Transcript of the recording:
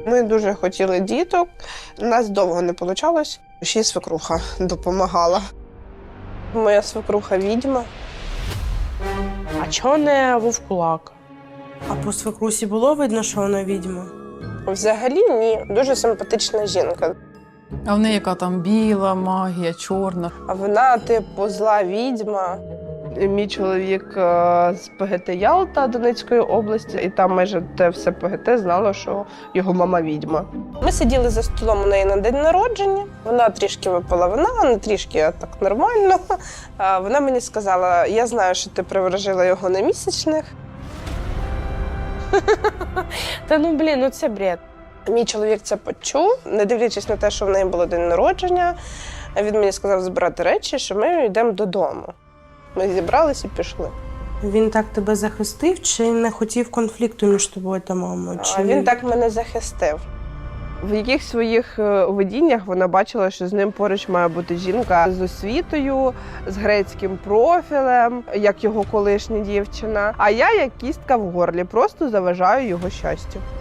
Ми дуже хотіли діток, у нас довго не вийшло, ще й свекруха допомагала. Моя свекруха відьма. А чого не вовкулак? А по свекрусі було видно, що вона відьма? Взагалі ні, дуже симпатична жінка. А в неї яка там біла магія, чорна. А вона, типу, зла відьма. Мій чоловік з ПГТ Ялта Донецької області, і там майже те все ПГТ знало, що його мама відьма. Ми сиділи за столом у неї на день народження. Вона трішки випила вина, не трішки, а так нормально. Вона мені сказала, я знаю, що ти приворожила його на місячних. Та ну блін, ну це бред. Мій чоловік це почув, не дивлячись на те, що в неї було день народження. Він мені сказав збирати речі, що ми йдемо додому. Ми зібрались і пішли. Він так тебе захистив чи не хотів конфлікту між тобою та мамою? Чи... Він так мене захистив. В яких своїх видіннях вона бачила, що з ним поруч має бути жінка з освітою, з грецьким профілем, як його колишня дівчина. А я, як кістка в горлі, просто заважаю його щастю.